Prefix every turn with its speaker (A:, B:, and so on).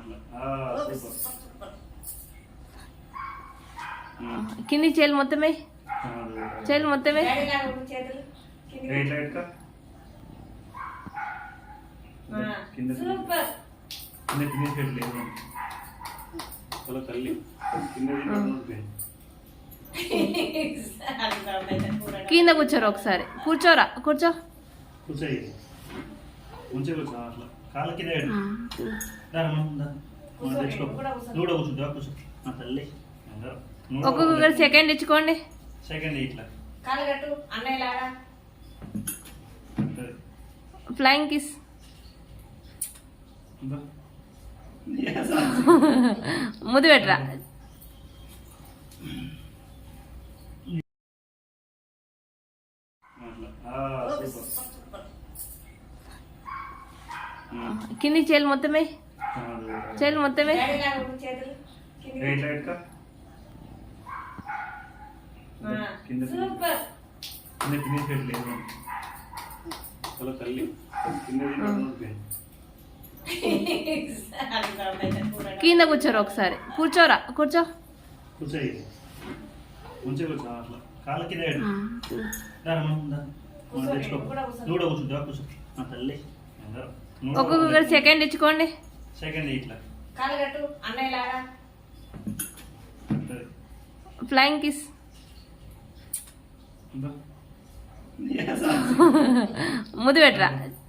A: కింది చేలు మొత్తమే చేలు మొత్తమే కింద కూర్చోరు ఒకసారి కూర్చోరా కూర్చో ఒక్కొక్కరు సెకండ్ ఇచ్చుకోండి ఫ్లయింగ్ కిస్ ముద్దు పెట్టరా కింది చేలు మొత్తమే చేలు మొత్తమే కింద కూర్చోరు ఒకసారి కూర్చోరా కూర్చో ఒక్కొక్కరు సెకండ్ ఇచ్చుకోండి ఫ్లయింగ్ కిస్ ముద్దు పెట్టరా